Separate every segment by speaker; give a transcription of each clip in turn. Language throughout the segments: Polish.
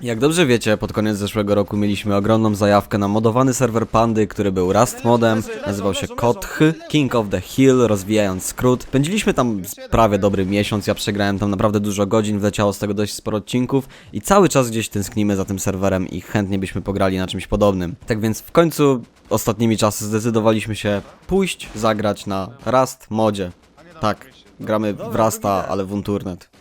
Speaker 1: Jak dobrze wiecie, pod koniec zeszłego roku mieliśmy ogromną zajawkę na modowany serwer Pandy, który był Rust modem, nazywał się Koth, King of the Hill, rozwijając skrót. Spędziliśmy tam prawie dobry miesiąc, ja przegrałem tam naprawdę dużo godzin, wleciało z tego dość sporo odcinków i cały czas gdzieś tęsknimy za tym serwerem i chętnie byśmy pograli na czymś podobnym. Tak więc w końcu ostatnimi czasy zdecydowaliśmy się pójść, zagrać na Rust modzie. Tak, gramy w Rusta, ale w Unturnet.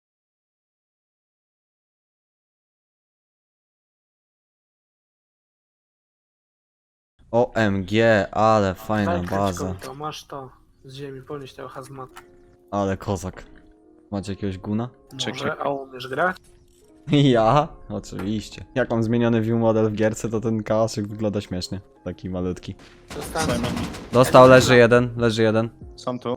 Speaker 1: OMG, ale fajna baza.
Speaker 2: To masz to z ziemi, ponieść tego hazmatu.
Speaker 1: Ale kozak. Macie jakiegoś guna?
Speaker 2: Może, a umiesz grać?
Speaker 1: Ja? Oczywiście. Jak mam zmieniony view model w gierce, to ten kałaszek wygląda śmiesznie. Taki malutki.
Speaker 2: Dostałem.
Speaker 1: Dostał, leży jeden.
Speaker 3: Są tu.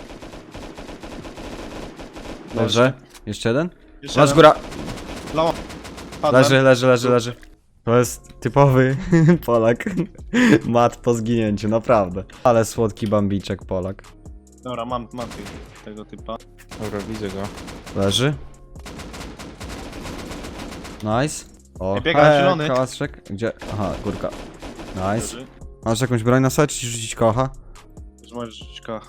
Speaker 1: Dobrze. Jeszcze jeden?
Speaker 3: Jeszcze
Speaker 1: Masz
Speaker 3: jeden.
Speaker 1: góra!
Speaker 3: Lawa. Padłem.
Speaker 1: Leży. To jest typowy Polak. Mat po zginięciu, naprawdę. Ale słodki bambiczek Polak.
Speaker 3: Dobra, mam tego typa.
Speaker 4: Dobra, widzę go.
Speaker 1: Leży. Nice. O,
Speaker 3: Biega zielony.
Speaker 1: kałaszek. Gdzie? Aha, górka. Nice.
Speaker 3: Leży.
Speaker 1: Masz jakąś broń na sobie, czy ci rzucić kocha?
Speaker 3: Już możesz rzucić kocha.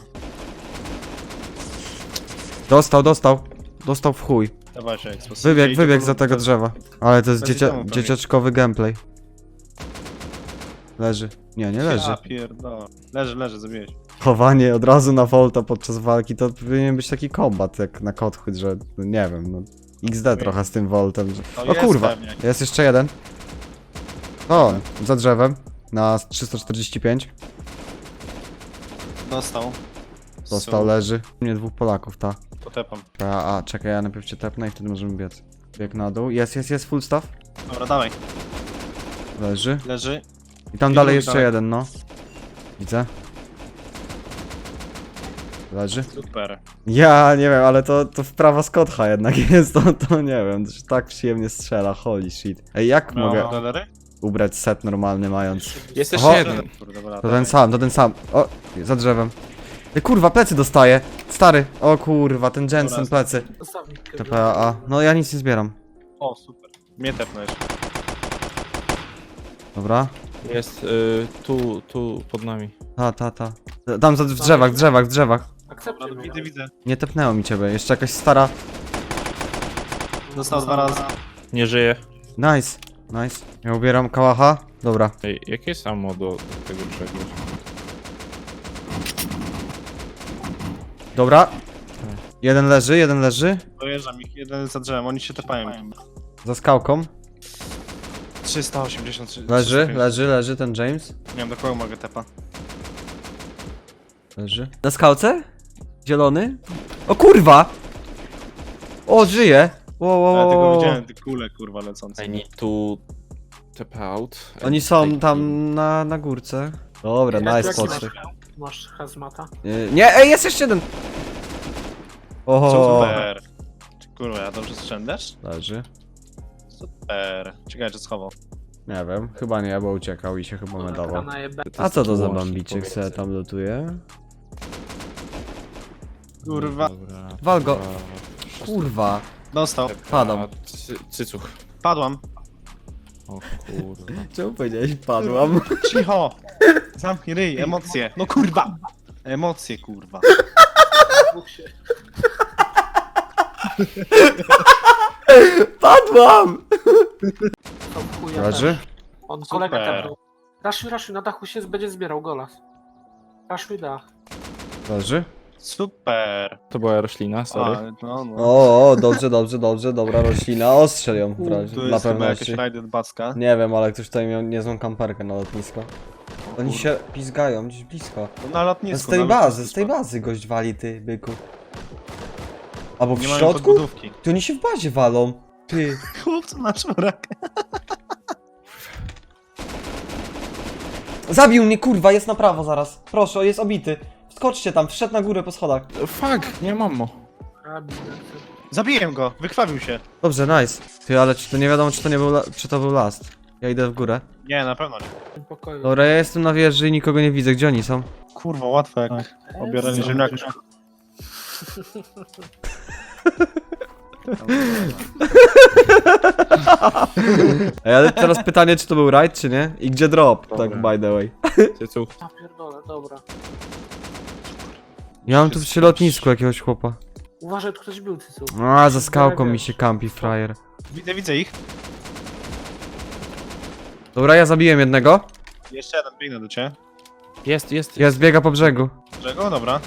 Speaker 1: Dostał w chuj.
Speaker 3: Dawaj się, ekspozycja.
Speaker 1: Wybieg za tego drzewa. Ale to jest
Speaker 3: Bez domu prawie.
Speaker 1: dzieciaczkowy gameplay. Leży. Nie leży.
Speaker 3: Ja pierdolę. Leży, zabiłeś.
Speaker 1: Chowanie od razu na Volta podczas walki to powinien być taki kombat jak na Kothut, że no nie wiem, no XD trochę z tym Voltem. Że...
Speaker 3: To
Speaker 1: O
Speaker 3: jest
Speaker 1: kurwa,
Speaker 3: pewnie.
Speaker 1: jest jeszcze jeden. O, za drzewem. Na 345. Dostał, leży. Nie, dwóch Polaków, ta.
Speaker 3: Potepam.
Speaker 1: A, czekaj, ja najpierw cię tepnę i wtedy możemy biec. Bieg na dół. Jest full staff.
Speaker 3: Dobra, dawaj.
Speaker 1: Leży.
Speaker 3: Leży.
Speaker 1: I tam
Speaker 3: I
Speaker 1: dalej
Speaker 3: drugi
Speaker 1: jeszcze
Speaker 3: dalej.
Speaker 1: jeden, no. Widzę. Leży.
Speaker 3: Super.
Speaker 1: Ja nie wiem, ale to wprawa z Kotha jednak jest, to nie wiem, to się tak przyjemnie strzela, holy shit. Ej, jak mogę
Speaker 3: Dolery?
Speaker 1: ubrać set normalny mając...
Speaker 4: Jest
Speaker 1: Oho.
Speaker 4: jeszcze jeden.
Speaker 3: Kurde, dobra,
Speaker 1: To ten sam. O, za drzewem. Ej, kurwa, plecy dostaję. Stary. O kurwa, ten Jensen,
Speaker 3: Dobra.
Speaker 1: plecy.
Speaker 2: Zostawnik.
Speaker 1: TPA. No ja nic nie zbieram.
Speaker 3: O, super. Mnie tepnąłeś.
Speaker 1: Dobra.
Speaker 4: Jest tu pod nami.
Speaker 1: Ta. Tam w drzewach.
Speaker 2: Akceptuj
Speaker 3: Dobra,
Speaker 2: mnie.
Speaker 3: widzę.
Speaker 1: Nie tepnęło mi ciebie. Jeszcze jakaś stara...
Speaker 3: Dostał 2 razy.
Speaker 4: Nie żyje.
Speaker 1: Nice. Ja ubieram kałacha. Dobra.
Speaker 4: Ej, jakie jest ammo do tego brzegu?
Speaker 1: Dobra. Jeden leży.
Speaker 3: Dojeżdżam ich, jeden za drzewem, oni się tepają.
Speaker 1: Za skałką.
Speaker 3: 383.
Speaker 1: Leży ten James.
Speaker 3: Nie wiem do kogo mogę tepa.
Speaker 1: Leży. Na skałce? Zielony? O kurwa! O, żyje!
Speaker 3: Ja tylko
Speaker 1: Wow.
Speaker 3: widziałem te kule kurwa lecące.
Speaker 4: I need to tap out.
Speaker 1: Oni są tam na górce. Dobra, nice
Speaker 2: Jaki
Speaker 1: poczty.
Speaker 2: masz hazmata?
Speaker 1: Nie, ej, jest jeszcze jeden! Oho.
Speaker 3: Super. Kurwa, ja dobrze strzędasz?
Speaker 1: Leży.
Speaker 3: Super. Ciekawe czy schował.
Speaker 1: Nie wiem, chyba nie, bo uciekał i się chyba medował.
Speaker 2: Na jebę.
Speaker 1: A co to za bambiczek se tam lotuje?
Speaker 3: Kurwa.
Speaker 1: Wal go. Kurwa.
Speaker 3: Dostał.
Speaker 1: Padam.
Speaker 4: Cycuch.
Speaker 3: Padłam.
Speaker 4: O kurwa.
Speaker 1: Czemu powiedziałeś padłam?
Speaker 3: Cicho. Zamknij ryj, emocje. No kurwa. Emocje kurwa.
Speaker 2: Dwóch się.
Speaker 1: Padłam!
Speaker 2: To w chuja
Speaker 1: Leży?
Speaker 2: też. On kolega
Speaker 3: Super.
Speaker 2: tam był. Raszuj, na dachu się będzie zbierał golas. Raszuj dach.
Speaker 1: Leży?
Speaker 3: Super.
Speaker 4: To była roślina, sorry.
Speaker 3: A, no.
Speaker 1: O, dobrze, dobra roślina, ostrzel ją w razie,
Speaker 3: Tu
Speaker 1: dla
Speaker 3: jest chyba jakaś
Speaker 1: pewności.
Speaker 3: rajdy od Backa.
Speaker 1: Nie wiem, ale ktoś tutaj miał niezłą kamperkę na lotnisko. Oni się pizgają gdzieś blisko.
Speaker 3: No, na lotnisku.
Speaker 1: Z tej
Speaker 3: na
Speaker 1: bazy,
Speaker 3: lotnisku.
Speaker 1: z tej bazy gość wali, ty, byku. Albo w
Speaker 3: Nie mają
Speaker 1: środku?
Speaker 3: podbudówki.
Speaker 1: Ty oni się w bazie walą. Ty.
Speaker 3: Chłopcu na czworak.
Speaker 1: Zabił mnie, kurwa, jest na prawo zaraz. Proszę, jest obity. Skoczcie tam, wszedł na górę po schodach.
Speaker 4: Fuck, nie mam ammo.
Speaker 3: Zabiłem go, wykrwawił się.
Speaker 1: Dobrze, nice. Ty, ale czy to nie wiadomo, czy to nie był, czy to był last. Ja idę w górę.
Speaker 3: Nie, na pewno nie.
Speaker 2: W tym pokoju.
Speaker 1: Dobra, ja jestem na wieży i nikogo nie widzę. Gdzie oni są?
Speaker 3: Kurwa, łatwo jak obieranie ziemniaków.
Speaker 1: Ej, ale teraz pytanie, czy to był raid, czy nie? I gdzie drop?
Speaker 4: Dobra.
Speaker 1: Tak, by the way.
Speaker 4: Cycuch.
Speaker 2: Ja pierdolę, dobra.
Speaker 1: Ja mam tu przy lotnisku jakiegoś chłopa.
Speaker 2: Uważaj, tu ktoś był, Cycu.
Speaker 1: A, za skałką mi się kampi, frajer.
Speaker 3: Widzę ich.
Speaker 1: Dobra, ja zabiłem jednego.
Speaker 3: Jeszcze jeden, biegnę do ciebie.
Speaker 4: Jest.
Speaker 1: Jest, biega po brzegu.
Speaker 3: Czego? Dobra.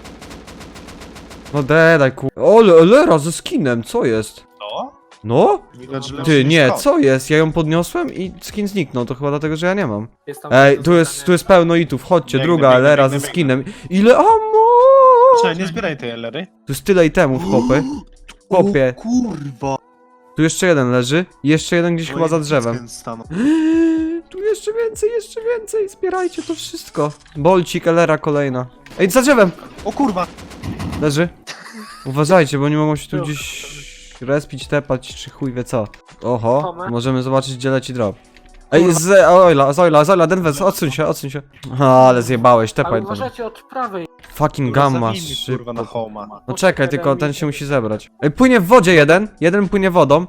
Speaker 1: No daj ku... O, lera ze skinem, co jest?
Speaker 3: To?
Speaker 1: No?
Speaker 3: Widać, że
Speaker 1: Ty,
Speaker 3: lepszy
Speaker 1: nie,
Speaker 3: niż to.
Speaker 1: co jest? Ja ją podniosłem i skin zniknął, to chyba dlatego, że ja nie mam.
Speaker 2: Jest tam
Speaker 1: Ej,
Speaker 2: do
Speaker 1: tu jest
Speaker 2: zadania.
Speaker 1: pełno itów, chodźcie,
Speaker 3: Biegnę,
Speaker 1: druga
Speaker 3: biegnę,
Speaker 1: lera
Speaker 3: biegnę,
Speaker 1: ze
Speaker 3: biegnę.
Speaker 1: skinem. Ile ammo!
Speaker 3: Czekaj, nie zbieraj tej Ellery.
Speaker 1: Tu jest tyle itemów, chłopy. Chłopie.
Speaker 3: O kurwa.
Speaker 1: Tu jeszcze jeden leży i jeszcze jeden gdzieś chyba za drzewem.
Speaker 3: Stanął.
Speaker 1: Tu jeszcze więcej, zbierajcie to wszystko. Bolcik, elera kolejna. Ej, za drzewem!
Speaker 3: O kurwa.
Speaker 1: Leży. Uważajcie, bo nie mogą się tu gdzieś respić, tepać, czy chuj wie co. Oho,
Speaker 2: Tomek?
Speaker 1: możemy zobaczyć, gdzie leci drop. Ej, z Oila, Denver, odsuń się. Aha, ale zjebałeś,
Speaker 2: Ale
Speaker 1: tepaj tam.
Speaker 2: uważajcie od prawej.
Speaker 1: Fucking
Speaker 3: Kurwa,
Speaker 1: gamma,
Speaker 3: zabij mnie, kurwa, na
Speaker 1: szybko.
Speaker 3: homa.
Speaker 1: No czekaj, tylko ten się musi zebrać. Ej, płynie w wodzie jeden płynie wodą.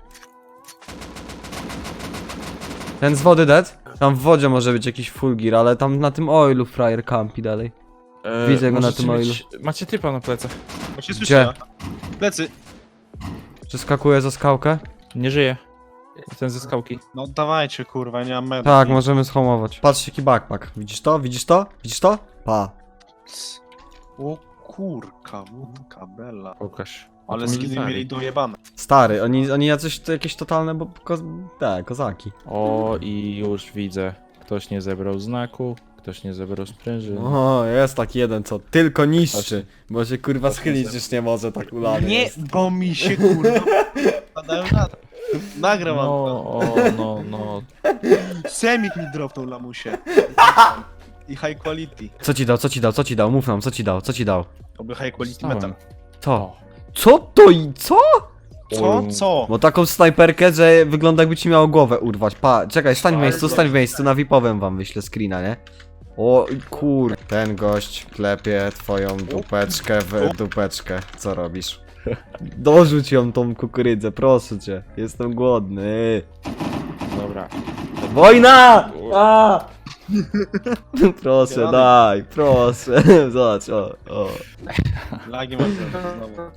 Speaker 1: Ten z wody dead. Tam w wodzie może być jakiś full gear, ale tam na tym oilu frajer campi dalej. Widzę go na
Speaker 4: możecie
Speaker 1: tym
Speaker 4: mieć- Macie typa na plecach.
Speaker 3: Bo się
Speaker 1: Gdzie?
Speaker 3: słyszę. Plecy.
Speaker 1: Przeskakuje za skałkę?
Speaker 4: Nie żyje. Ten ze skałki.
Speaker 3: No dawajcie kurwa, nie mam medu.
Speaker 1: Tak, możemy schomować. Patrzcie jaki backpack. Widzisz to? Widzisz to? Widzisz to? Pa.
Speaker 3: O kurka, łódka, bella.
Speaker 4: Pokaż.
Speaker 3: Ale
Speaker 4: to
Speaker 3: skiny
Speaker 4: military.
Speaker 3: mieli dojebane.
Speaker 1: Stary, oni jacyś to jakieś totalne, bo kozaki.
Speaker 4: O, i już widzę. Ktoś nie zebrał znaku, ktoś nie zebrał sprężyny.
Speaker 1: O, jest taki jeden, co tylko niszczy.
Speaker 4: Właśnie.
Speaker 1: Bo się kurwa schylić już nie może, tak ulany
Speaker 3: Nie,
Speaker 1: jest.
Speaker 3: bo mi się kurwa padają na... Nagram
Speaker 4: No,
Speaker 3: wam to.
Speaker 4: no.
Speaker 3: Semik mi dropnął lamusie. I high quality.
Speaker 1: Co ci dał? Mów nam, co ci dał?
Speaker 3: Oby high quality
Speaker 4: Dostałem.
Speaker 3: metal.
Speaker 1: Co? Co to i co?
Speaker 3: Co? Co?
Speaker 1: Bo taką snajperkę, że wygląda jakby ci miało głowę urwać. Pa, czekaj, stań w miejscu, na VIP-owym wam wyślę screena, nie? O kur... Ten gość klepie twoją dupeczkę w dupeczkę. Co robisz? Dorzuć ją tą kukurydzę, proszę cię. Jestem głodny.
Speaker 4: Dobra.
Speaker 1: Wojna! A! Proszę, daj, proszę. Zobacz, o.
Speaker 3: Lagi mam znowu.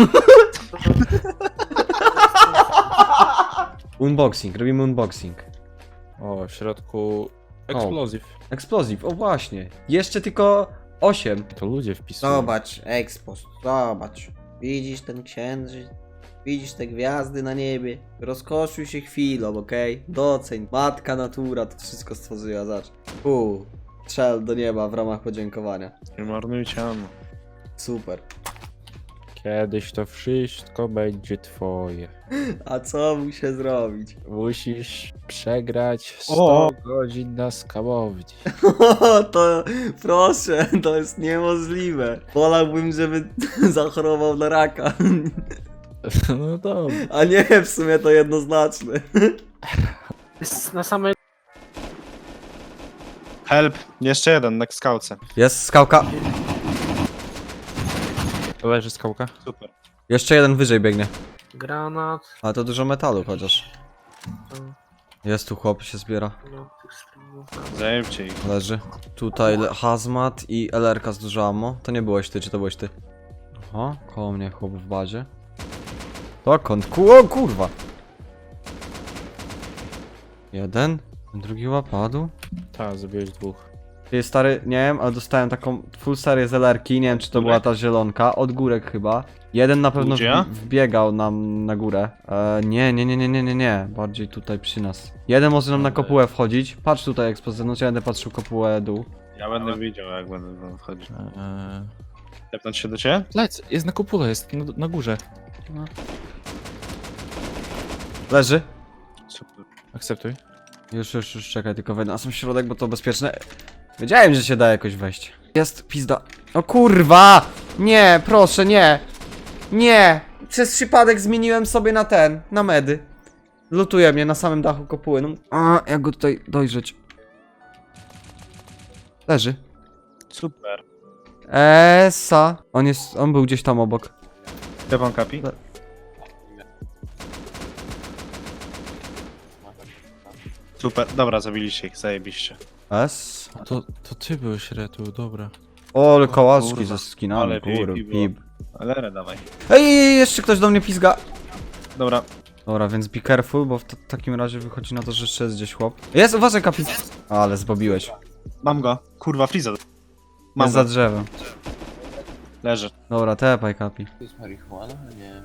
Speaker 1: Unboxing, robimy unboxing.
Speaker 4: O, w środku explosive.
Speaker 1: Explosive, o właśnie. Jeszcze tylko 8.
Speaker 4: To ludzie wpisują.
Speaker 5: Zobacz, Expos, zobacz. Widzisz ten księżyc? Widzisz te gwiazdy na niebie? Rozkoszuj się chwilą, okej? Doceń. Matka natura to wszystko stworzyła, zacz. Strzel do nieba w ramach podziękowania.
Speaker 3: Nie marnujcie ammo.
Speaker 5: Super.
Speaker 4: Kiedyś to wszystko będzie twoje.
Speaker 5: A co muszę zrobić?
Speaker 4: Musisz przegrać 100
Speaker 3: O!
Speaker 4: godzin na skałowni.
Speaker 5: To proszę, to jest niemożliwe. Wolałbym, żeby zachorował na raka.
Speaker 4: No dobra.
Speaker 5: A nie, w sumie to jednoznaczne.
Speaker 2: Jest na samej...
Speaker 3: Help. Jeszcze jeden, na skałce.
Speaker 1: Jest skałka.
Speaker 4: Leży skałka.
Speaker 3: Super.
Speaker 1: Jeszcze jeden wyżej biegnie.
Speaker 2: Granat.
Speaker 1: Ale to dużo metalu chociaż. Jest tu chłop, się zbiera.
Speaker 2: No, tych screenów.
Speaker 3: Zajebcie ich.
Speaker 1: Leży. Tutaj hazmat i LR-ka z dużo ammo. To nie byłeś ty, czy to byłeś ty? Aha, koło mnie chłop w bazie. Dokąd? O kurwa! Jeden, drugi łapadł.
Speaker 4: Tak, zabiłeś dwóch.
Speaker 1: Ty stary, nie wiem, ale dostałem taką full serię z LR-ki, nie wiem czy to była ta zielonka, od górek chyba. Jeden na pewno
Speaker 3: Gdzie?
Speaker 1: wbiegał nam na górę. Nie, bardziej tutaj przy nas. Jeden może nam na kopułę wchodzić. Patrz tutaj ekspozycję, no ja będę patrzył kopułę dół.
Speaker 3: Ja będę widział, jak będę wam wchodził.
Speaker 4: Eee...
Speaker 3: Tepnąć się do ciebie?
Speaker 4: Lec, jest na kopule, jest na górze.
Speaker 1: Leży.
Speaker 3: Super.
Speaker 4: Akceptuj.
Speaker 1: Już, czekaj, tylko wejdę na sam środek, bo to bezpieczne. Wiedziałem, że się da jakoś wejść. Jest pizda. O kurwa! Nie, proszę, nie! Nie! Przez przypadek zmieniłem sobie na medy. Lutuje mnie na samym dachu kopuły. No. A, jak go tutaj dojrzeć. Leży.
Speaker 3: Super.
Speaker 1: Esa. On był gdzieś tam obok.
Speaker 3: Stefan Kapi? Super, dobra, zabiliście ich, zajebiście.
Speaker 1: S.
Speaker 4: To ty byłeś Retu, dobra.
Speaker 1: O, ale kołaczki
Speaker 3: kurwa.
Speaker 1: ze skinami,
Speaker 3: Ale
Speaker 1: kurwa,
Speaker 3: VIP było.
Speaker 1: pip.
Speaker 3: Ale dawaj.
Speaker 1: Ej, jeszcze ktoś do mnie pizga.
Speaker 3: Dobra,
Speaker 1: Dobra, więc be careful, bo w takim razie wychodzi na to, że jeszcze jest gdzieś chłop. Jest, uważaj, kapi. Ale zbobiłeś.
Speaker 3: mam go. Kurwa, Freeza. Mam
Speaker 1: Jest za
Speaker 3: go.
Speaker 1: drzewem.
Speaker 3: Leży.
Speaker 1: Dobra, tepaj, kapi.
Speaker 6: To jest marihuana? Nie.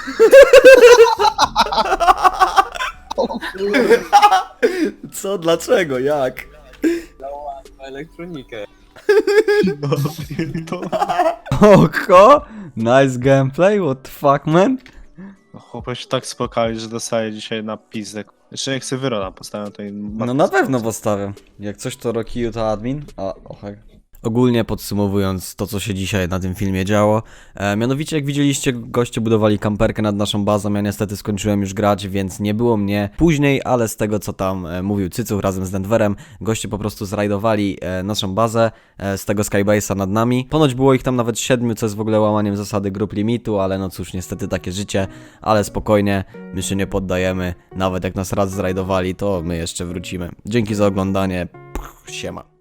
Speaker 1: Co? Dlaczego? Jak?
Speaker 6: Elektronikę.
Speaker 3: No, to...
Speaker 1: Oko? Nice gameplay, what the fuck, man?
Speaker 3: Chłopie się tak spokali, że dostaje dzisiaj na pizdek. Jeszcze jak sobie Wyrona postawię, to im...
Speaker 1: No na pewno postawię. Jak coś to Rocky to admin. A, ochaj. Ogólnie podsumowując to, co się dzisiaj na tym filmie działo, mianowicie jak widzieliście, goście budowali kamperkę nad naszą bazą, ja niestety skończyłem już grać, więc nie było mnie później, ale z tego, co tam mówił Cycuch razem z Denverem, goście po prostu zrajdowali naszą bazę z tego Skybase'a nad nami. Ponoć było ich tam nawet 7, co jest w ogóle łamaniem zasady grup limitu, ale no cóż, niestety takie życie, ale spokojnie, my się nie poddajemy, nawet jak nas raz zrajdowali, to my jeszcze wrócimy. Dzięki za oglądanie, siema.